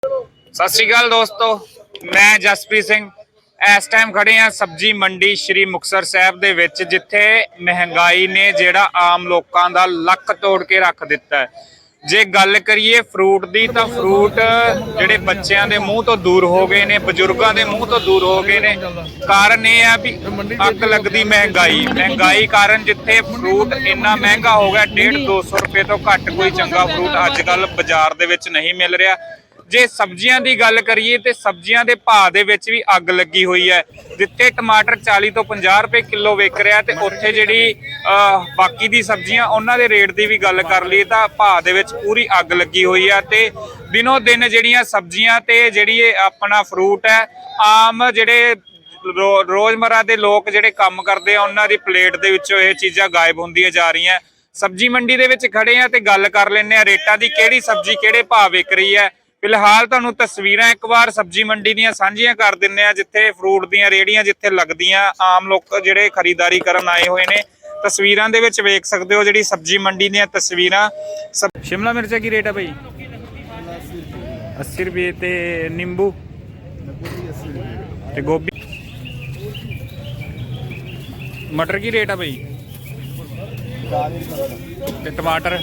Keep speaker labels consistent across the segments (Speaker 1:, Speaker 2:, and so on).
Speaker 1: ਸਤਿ ਸ਼੍ਰੀ ਅਕਾਲ ਦੋਸਤੋ, ਮੈਂ ਜਸਪ੍ਰੀਤ ਸਿੰਘ। ਇਸ ਟਾਈਮ ਖੜੇ ਆ ਸਬਜ਼ੀ ਮੰਡੀ ਸ਼੍ਰੀ ਮੁਕਤਸਰ ਸਾਹਿਬ ਦੇ ਵਿੱਚ, ਜਿੱਥੇ ਮਹਿੰਗਾਈ ਨੇ ਜਿਹੜਾ ਆਮ ਲੋਕਾਂ ਦਾ ਲੱਕ ਤੋੜ ਕੇ ਰੱਖ ਦਿੱਤਾ ਹੈ। ਜੇ ਗੱਲ ਕਰੀਏ ਫਰੂਟ ਦੀ, ਤਾਂ ਫਰੂਟ ਜਿਹੜੇ ਬੱਚਿਆਂ ਦੇ ਮੂੰਹ ਤੋਂ ਦੂਰ ਹੋ ਗਏ ਨੇ, ਬਜ਼ੁਰਗਾਂ ਦੇ ਮੂੰਹ ਤੋਂ ਦੂਰ ਹੋ ਗਏ ਨੇ। ਕਾਰਨ ਇਹ ਆ ਵੀ ਅੱਗ ਲੱਗਦੀ ਮਹਿੰਗਾਈ ਕਾਰਨ ਜਿੱਥੇ ਫਰੂਟ ਇੰਨਾ ਮਹਿੰਗਾ ਹੋ ਗਿਆ, 150-200 ਰੁਪਏ ਤੋਂ ਘੱਟ ਕੋਈ ਚੰਗਾ ਫਰੂਟ ਅੱਜ ਕੱਲ ਬਾਜ਼ਾਰ ਦੇ ਵਿੱਚ ਨਹੀਂ ਮਿਲ ਰਿਹਾ। ਜੇ ਸਬਜ਼ੀਆਂ ਦੀ ਗੱਲ ਕਰੀਏ ਤੇ ਸਬਜ਼ੀਆਂ ਦੇ ਭਾਅ ਦੇ ਵਿੱਚ ਵੀ ਅੱਗ ਲੱਗੀ ਹੋਈ ਹੈ। ਜਿੱਥੇ ਟਮਾਟਰ 40 ਤੋਂ 50 ਰੁਪਏ ਕਿਲੋ ਵਿਕ ਰਿਹਾ, ਤੇ ਉੱਥੇ ਜਿਹੜੀ ਬਾਕੀ ਦੀ ਸਬਜ਼ੀਆਂ ਉਹਨਾਂ ਦੇ ਰੇਟ ਦੀ ਵੀ ਗੱਲ ਕਰ ਲਈ ਤਾਂ ਭਾਅ ਦੇ ਵਿੱਚ ਪੂਰੀ ਅੱਗ ਲੱਗੀ ਹੋਈ ਹੈ। ਤੇ ਦਿਨੋਂ ਦਿਨ ਜਿਹੜੀਆਂ ਸਬਜ਼ੀਆਂ ਤੇ ਜਿਹੜੀ ਆਪਣਾ ਫਰੂਟ ਹੈ, ਆਮ ਜਿਹੜੇ ਰੋਜ਼ਮਰਾ ਦੇ ਲੋਕ ਜਿਹੜੇ ਕੰਮ ਕਰਦੇ ਆ, ਉਹਨਾਂ ਦੀ ਪਲੇਟ ਦੇ ਵਿੱਚੋਂ ਇਹ ਚੀਜ਼ਾਂ ਗਾਇਬ ਹੁੰਦੀਆਂ ਜਾ ਰਹੀਆਂ। ਸਬਜ਼ੀ ਮੰਡੀ ਦੇ ਵਿੱਚ ਖੜੇ ਆ ਤੇ ਗੱਲ ਕਰ ਲੈਂਦੇ ਆ ਰੇਟਾਂ ਦੀ, ਕਿਹੜੀ ਸਬਜ਼ੀ ਕਿਹੜੇ ਭਾਅ ਵਿਕ ਰਹੀ ਹੈ। ਫਿਲਹਾਲ ਤੁਹਾਨੂੰ ਤਸਵੀਰਾਂ ਇੱਕ ਵਾਰ ਸਬਜ਼ੀ ਮੰਡੀ ਦੀਆਂ ਸਾਂਝੀਆਂ ਕਰ ਦਿੰਨੇ ਆ, ਜਿੱਥੇ ਫਰੂਟ ਦੀਆਂ ਰੇਹੜੀਆਂ ਜਿੱਥੇ ਲੱਗਦੀਆਂ, ਆਮ ਲੋਕ ਜਿਹੜੇ ਖਰੀਦਦਾਰੀ ਕਰਨ ਆਏ ਹੋਏ ਨੇ। ਤਸਵੀਰਾਂ ਦੇ ਵਿੱਚ ਵੇਖ ਸਕਦੇ ਹੋ ਜਿਹੜੀ ਸਬਜ਼ੀ ਮੰਡੀ ਦੀਆਂ ਤਸਵੀਰਾਂ। ਸ਼ਿਮਲਾ ਮਿਰਚ ਕੀ ਰੇਟ ਹੈ ਭਾਈ? 80 ਰੁਪਏ। ਤੇ ਨਿੰਬੂ ਤੇ ਗੋਭੀ, ਮਟਰ ਕੀ ਰੇਟ ਹੈ ਭਾਈ? ਤੇ ਟਮਾਟਰ?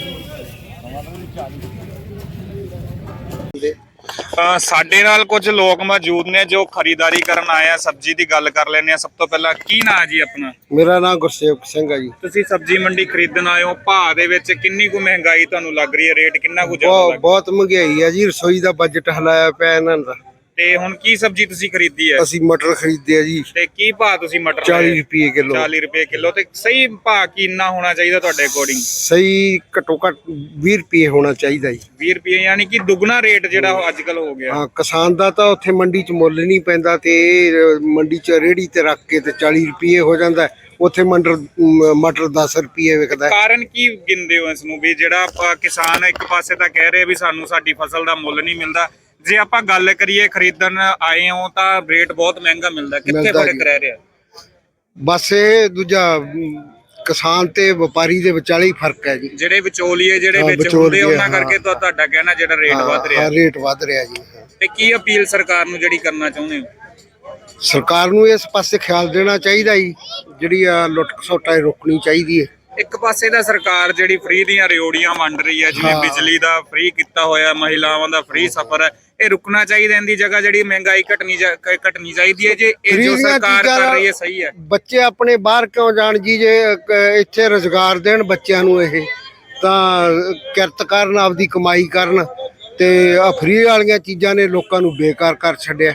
Speaker 1: ਸਾਡੇ ਨਾਲ ਕੁਝ ਲੋਕ ਮੌਜੂਦ ਨੇ ਜੋ ਖਰੀਦਦਾਰੀ ਕਰਨ ਆਏ ਆ। ਸਬਜ਼ੀ ਦੀ ਗੱਲ ਕਰ ਲੈਂਦੇ ਆ। ਸਭ ਤੋਂ ਪਹਿਲਾਂ ਕੀ ਨਾਂ ਜੀ ਆਪਣਾ?
Speaker 2: ਮੇਰਾ ਨਾਮ ਗੁਰਸੇਵਕ ਸਿੰਘ ਹੈ ਜੀ।
Speaker 1: ਤੁਸੀਂ ਸਬਜ਼ੀ ਮੰਡੀ ਖਰੀਦਣ ਆਏ ਹੋ, ਭਾਅ ਦੇ ਵਿੱਚ ਕਿੰਨੀ ਕੁ ਮਹਿੰਗਾਈ ਤੁਹਾਨੂੰ ਲੱਗ ਰਹੀ ਹੈ? ਰੇਟ ਕਿੰਨਾ ਕੁ ਜ਼ਿਆਦਾ ਲੱਗ ਰਿਹਾ?
Speaker 2: ਬਹੁਤ ਮਹਿੰਗਾਈ ਹੈ ਜੀ, ਰਸੋਈ ਦਾ ਬਜਟ ਹਿਲਾਇਆ ਪਿਆ ਇਹਨਾਂ ਦਾ।
Speaker 1: ਤੇ ਹੁਣ ਕੀ ਸਬਜ਼ੀ ਤੁਸੀਂ ਖਰੀਦੀ ਹੈ?
Speaker 2: ਅਸੀਂ ਮਟਰ ਖਰੀਦੇ ਆ ਜੀ।
Speaker 1: ਤੇ ਕੀ ਭਾਅ ਤੁਸੀਂ ਮਟਰ?
Speaker 2: 40 ਰੁਪਏ ਕਿਲੋ।
Speaker 1: 40 ਰੁਪਏ ਕਿਲੋ। ਤੇ ਸਹੀ ਭਾਅ ਕਿੰਨਾ ਹੋਣਾ ਚਾਹੀਦਾ ਤੁਹਾਡੇ ਅਕੋਰਡਿੰਗ?
Speaker 2: ਸਹੀ ਘੱਟੋ ਘੱਟ 20 ਰੁਪਏ ਹੋਣਾ ਚਾਹੀਦਾ ਜੀ।
Speaker 1: 20 ਰੁਪਏ, ਯਾਨੀ ਕਿ ਦੁੱਗਣਾ ਰੇਟ ਜਿਹੜਾ ਅੱਜ ਕੱਲ ਹੋ ਗਿਆ।
Speaker 2: ਹਾਂ, ਕਿਸਾਨ ਦਾ ਤਾਂ ਉੱਥੇ ਮੰਡੀ 'ਚ ਮੁੱਲ ਨਹੀਂ ਪੈਂਦਾ, ਤੇ ਮੰਡੀ 'ਚ ਰੇਹੜੀ ਤੇ ਰੱਖ ਕੇ ਤੇ 40 ਰੁਪਏ ਹੋ ਜਾਂਦਾ। ਉੱਥੇ ਮਟਰ 10 ਰੁਪਏ ਵਿਕਦਾ।
Speaker 1: ਕਾਰਨ ਕੀ ਗਿਣਦੇ ਹੋ ਇਸ ਨੂੰ ਵੀ ਜਿਹੜਾ ਕਿਸਾਨ ਇੱਕ ਪਾਸੇ ਤਾਂ ਕਹਿ ਰਿਹਾ ਵੀ ਸਾਨੂੰ ਸਾਡੀ ਫਸਲ ਦਾ ਮੁੱਲ ਨਹੀਂ ਮਿਲਦਾ, ਜੇ ਆਪਾਂ ਗੱਲ ਕਰੀਏ ਖਰੀਦਣ ਆਏ ਹੋ ਤਾਂ ਰੇਟ ਬਹੁਤ ਮਹਿੰਗਾ ਮਿਲਦਾ, ਕਿੱਥੇ ਫਰਕ ਰਹਿ ਰਿਹਾ?
Speaker 2: ਬਸ ਇਹ ਦੂਜਾ ਕਿਸਾਨ ਤੇ ਵਪਾਰੀ ਦੇ ਵਿਚਾਲੇ ਹੀ ਫਰਕ ਹੈ ਜੀ।
Speaker 1: ਜਿਹੜੇ ਵਿਚੋਲੀਏ ਜਿਹੜੇ ਵਿੱਚ ਹੁੰਦੇ ਉਹਨਾਂ ਕਰਕੇ ਤਾਂ ਤੁਹਾਡਾ ਕਹਿਣਾ ਜਿਹੜਾ ਰੇਟ ਵੱਧ ਰਿਹਾ?
Speaker 2: ਹਾਂ, ਰੇਟ ਵੱਧ ਰਿਹਾ ਜੀ।
Speaker 1: ਤੇ ਕੀ ਅਪੀਲ ਸਰਕਾਰ ਨੂੰ ਜਿਹੜੀ ਕਰਨਾ ਚਾਹੁੰਦੇ ਹੋ?
Speaker 2: ਸਰਕਾਰ ਨੂੰ ਇਸ ਪਾਸੇ ਖਿਆਲ ਦੇਣਾ ਚਾਹੀਦਾ ਜੀ, ਜਿਹੜੀ ਆ ਲੁੱਟ ਖਸੁੱਟ ਰੋਕਣੀ ਚਾਹੀਦੀ ਹੈ।
Speaker 1: ਇੱਕ ਪਾਸੇ ਦਾ ਸਰਕਾਰ ਜਿਹੜੀ ਫ੍ਰੀ ਦੀਆਂ ਰਿਓੜੀਆਂ ਵੰਡ ਰਹੀ ਹੈ, ਜਿਵੇਂ ਬਿਜਲੀ ਦਾ ਫ੍ਰੀ ਕੀਤਾ ਹੋਇਆ, ਮਹਿਲਾਵਾਂ ਦਾ ਫ੍ਰੀ ਸਫ਼ਰ ਹੈ, ਇਹ ਰੁਕਣਾ ਚਾਹੀਦਾ। ਇਹਦੀ ਜਗ੍ਹਾ ਜਿਹੜੀ ਮਹਿੰਗਾਈ ਘਟਣੀ ਚਾਹੀਦੀ ਹੈ। ਜੇ ਇਹ ਜੋ ਸਰਕਾਰ ਕਰ ਰਹੀ ਹੈ ਸਹੀ ਹੈ।
Speaker 2: ਬੱਚੇ ਆਪਣੇ ਬਾਹਰ ਕਿਉਂ ਜਾਣ ਜੀ? ਜੇ ਇੱਥੇ ਰੁਜ਼ਗਾਰ ਦੇਣ ਬੱਚਿਆਂ ਨੂੰ, ਇਹ ਤਾਂ ਕਿਰਤ ਕਰਨ, ਆਪਦੀ ਕਮਾਈ ਕਰਨ। ਤੇ ਆ ਫ੍ਰੀ ਵਾਲੀਆਂ ਚੀਜ਼ਾਂ ਨੇ ਲੋਕਾਂ ਨੂੰ ਬੇਕਾਰ ਕਰ ਛੱਡਿਆ।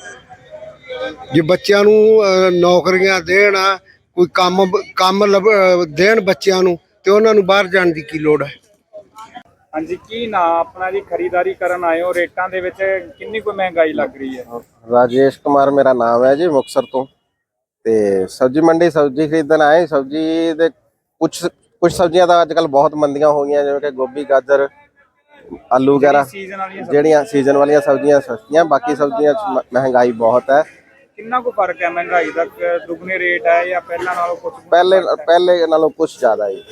Speaker 2: ਜੇ ਬੱਚਿਆਂ ਨੂੰ ਨੌਕਰੀਆਂ ਦੇਣ, ਕੋਈ ਕੰਮ ਦੇਣ ਬੱਚਿਆਂ ਨੂੰ, ਤੇ ਉਹਨਾਂ ਨੂੰ ਬਾਹਰ ਜਾਣ ਦੀ ਕੀ ਲੋੜ ਹੈ?
Speaker 1: ਹਾਂਜੀ, ਕੀ ਨਾਂ ਆਪਣਾ ਜੀ? ਖਰੀਦਦਾਰੀ ਕਰਨ ਆਏ ਹੋ, ਰੇਟਾਂ ਦੇ ਵਿੱਚ ਕਿੰਨੀ ਕੁ ਮਹਿੰਗਾਈ ਲੱਗ ਰਹੀ ਹੈ?
Speaker 3: राजेश कुमार मेरा नाम है जी, मुक्तसर तो। सब्जी मंडी सब्जी खरीदन आए। सब्जी दे कुछ सब्जियां तो अजकल बहुत मंदियां हो गई, जिवें कि गोभी, गाजर, आलू वगैरह, ਜਿਹੜੀਆਂ ਸੀਜ਼ਨ ਵਾਲੀਆਂ ਸਬਜ਼ੀਆਂ ਸਸਤੀਆਂ, ਬਾਕੀ ਸਬਜ਼ੀਆਂ महंगाई बहुत है।
Speaker 1: ਕਿੰਨਾ ਕੁ ਫਰਕ ਹੈ ਮਹਿੰਗਾਈ ਦਾ? ਦੁੱਗਣੇ ਰੇਟ ਹੈ ਜਾਂ ਪਹਿਲਾਂ ਨਾਲੋਂ ਕੁਝ?
Speaker 3: ਪਹਿਲੇ ਨਾਲੋਂ ਕੁਝ ਜ਼ਿਆਦਾ ਹੀ।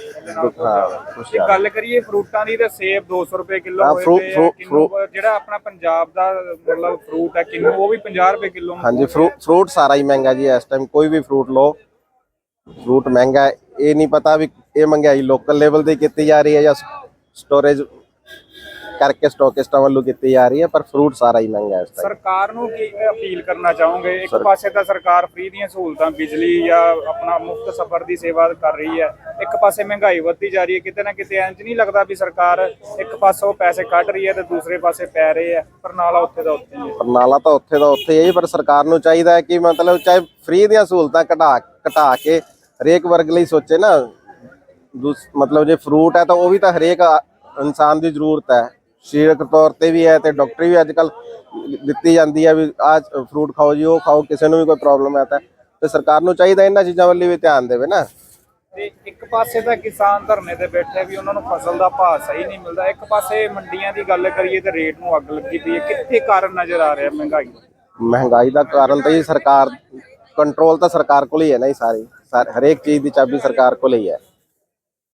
Speaker 1: ਜੇ ਗੱਲ ਕਰੀਏ ਫਰੂਟਾਂ ਦੀ, ਤਾਂ ਸੇਬ 200 ਰੁਪਏ ਕਿਲੋ ਹੋਏ ਪਏ ਆ। ਜਿਹੜਾ ਆਪਣਾ ਪੰਜਾਬ ਦਾ ਮਤਲਬ ਫਰੂਟ ਹੈ ਕਿੰਨੂ, ਉਹ ਵੀ 50 ਰੁਪਏ ਕਿਲੋ।
Speaker 3: ਹਾਂਜੀ, ਫਰੂਟ ਸਾਰਾ ਹੀ ਮਹਿੰਗਾ ਜੀ ਇਸ ਟਾਈਮ। ਕੋਈ ਵੀ ਫਰੂਟ ਲਓ, ਫਰੂਟ ਮਹਿੰਗਾ ਹੈ। ਇਹ ਨਹੀਂ ਪਤਾ ਵੀ ਇਹ ਮਹਿੰਗਾਈ ਲੋਕਲ ਲੈਵਲ ਤੇ ਕੀਤੀ ਜਾ ਰਹੀ ਹੈ ਜਾਂ ਸਟੋਰੇਜ ਕਰਕੇ ਸਟਾਕਿਸਟਾਂ ਵੱਲੋਂ ਕੀਤੀ ਜਾ ਰਹੀ ਹੈ, ਪਰ ਫਰੂਟ ਸਾਰਾ ਹੀ ਮਹਿੰਗਾ ਹੈ ਇਸ ਟਾਈਮ।
Speaker 1: ਸਰਕਾਰ ਨੂੰ ਕੀ ਅਪੀਲ ਕਰਨਾ ਚਾਹੋਗੇ? ਇੱਕ ਪਾਸੇ ਤਾਂ ਸਰਕਾਰ ਫ੍ਰੀ ਦੀਆਂ ਸਹੂਲਤਾਂ, ਬਿਜਲੀ ਜਾਂ ਆਪਣਾ ਮੁਫਤ ਸਫ਼ਰ ਦੀ ਸੇਵਾ ਕਰ ਰਹੀ ਹੈ, ਇੱਕ ਪਾਸੇ ਮਹਿੰਗਾਈ ਵੱਧਦੀ ਜਾ ਰਹੀ ਹੈ। ਕਿਤੇ ਨਾ ਕਿਤੇ ਇੰਜ ਨਹੀਂ ਲੱਗਦਾ ਵੀ ਸਰਕਾਰ ਇੱਕ ਪਾਸੋਂ ਪੈਸੇ ਕੱਢ ਰਹੀ ਹੈ ਤੇ ਦੂਸਰੇ ਪਾਸੇ ਪੈ ਰਹੇ ਆ? ਪਰਨਾਲਾ ਉੱਥੇ ਦਾ ਉੱਥੇ ਹੀ ਹੈ।
Speaker 3: ਪਰਨਾਲਾ ਤਾਂ ਉੱਥੇ ਦਾ ਉੱਥੇ ਹੀ ਹੈ, ਪਰ ਸਰਕਾਰ ਨੂੰ ਚਾਹੀਦਾ ਹੈ ਕਿ ਮਤਲਬ ਚਾਹੇ ਫ੍ਰੀ ਦੀਆਂ ਸਹੂਲਤਾਂ ਘਟਾ ਕੇ ਹਰੇਕ ਵਰਗ ਲਈ ਸੋਚੇ ਨਾ। ਮਤਲਬ ਜੇ ਫਰੂਟ ਹੈ ਤਾਂ ਉਹ ਵੀ ਤਾਂ ਹਰੇਕ ਇਨਸਾਨ ਦੀ ਜ਼ਰੂਰਤ ਹੈ, ਸਰੀਰਕ ਤੌਰ ਤੇ ਵੀ ਹੈ, ਤੇ ਡਾਕਟਰੀ ਵੀ ਅੱਜ ਕੱਲ ਦਿੱਤੀ ਜਾਂਦੀ ਹੈ ਵੀ ਆਹ ਫਰੂਟ ਖਾਓ ਜੀ, ਉਹ ਖਾਓ, ਕਿਸੇ ਨੂੰ ਵੀ ਕੋਈ ਪ੍ਰੋਬਲਮ ਹੈ ਤਾਂ। ਤੇ ਸਰਕਾਰ ਨੂੰ ਚਾਹੀਦਾ ਇਹਨਾਂ ਚੀਜ਼ਾਂ ਵੱਲ ਵੀ ਧਿਆਨ ਦੇਵੇ ਨਾ।
Speaker 1: ਤੇ ਇੱਕ ਪਾਸੇ ਤਾਂ ਕਿਸਾਨ ਧਰਨੇ ਤੇ ਬੈਠੇ ਵੀ ਉਹਨਾਂ ਨੂੰ ਫਸਲ ਦਾ ਭਾਅ ਸਹੀ ਨਹੀਂ ਮਿਲਦਾ, ਇੱਕ ਪਾਸੇ ਮੰਡੀਆਂ ਦੀ ਗੱਲ ਕਰੀਏ ਤੇ ਰੇਟ ਨੂੰ ਅੱਗ ਲੱਗੀ ਪਈ ਹੈ। ਕਿੱਥੇ ਕਾਰਨ ਨਜ਼ਰ ਆ ਰਿਹਾ
Speaker 3: ਮਹਿੰਗਾਈ ਦਾ ਕਾਰਨ ਤਾਂ ਜੀ ਸਰਕਾਰ, ਕੰਟਰੋਲ ਤਾਂ ਸਰਕਾਰ ਕੋਲ ਹੀ ਹੈ ਨਾ ਜੀ। ਹਰੇਕ ਚੀਜ਼ ਦੀ ਚਾਬੀ ਸਰਕਾਰ ਕੋਲ ਹੀ ਹੈ।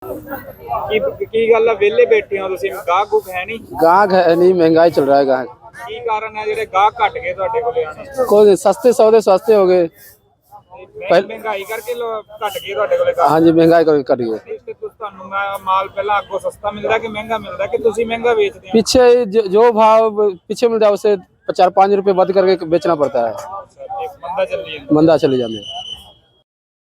Speaker 1: ਕੀ ਗੱਲ ਹੈ, ਵਿਹਲੇ ਬੈਠੇ ਹੋ ਤੁਸੀਂ? ਗਾਹਕ ਗੁੱਕ ਹੈ ਨਹੀਂ?
Speaker 4: गाहक है नहीं, महंगाई चल रहा है गाहक।
Speaker 1: ਕੀ ਕਾਰਨ ਹੈ ਜਿਹੜੇ ਗਾਹਕ ਘਟ ਗਏ ਤੁਹਾਡੇ ਕੋਲੇ ਆਣੇ?
Speaker 4: कोई सस्ते सौदे सस्ते हो गए।
Speaker 1: ਮਹਿੰਗਾਈ ਕਰਕੇ ਘਟ ਗਏ ਤੁਹਾਡੇ ਕੋਲੇ ਗਾਹਕ?
Speaker 4: हाँ जी महंगाई कभी कट गई।
Speaker 1: ਤੇ ਤੁਹਾਨੂੰ ਮਾਲ ਪਹਿਲਾਂ ਅੱਗੋਂ ਸਸਤਾ ਮਿਲਦਾ ਕਿ ਮਹਿੰਗਾ ਮਿਲਦਾ ਕਿ ਤੁਸੀਂ ਮਹਿੰਗਾ ਵੇਚਦੇ ਹੋ?
Speaker 4: पीछे जो भाव पीछे मिल जाए उसे 4-5 रुपए बंद करके बेचना पड़ता है।
Speaker 1: एक मंदा चल रही है।
Speaker 4: मंदा चले जाते हैं।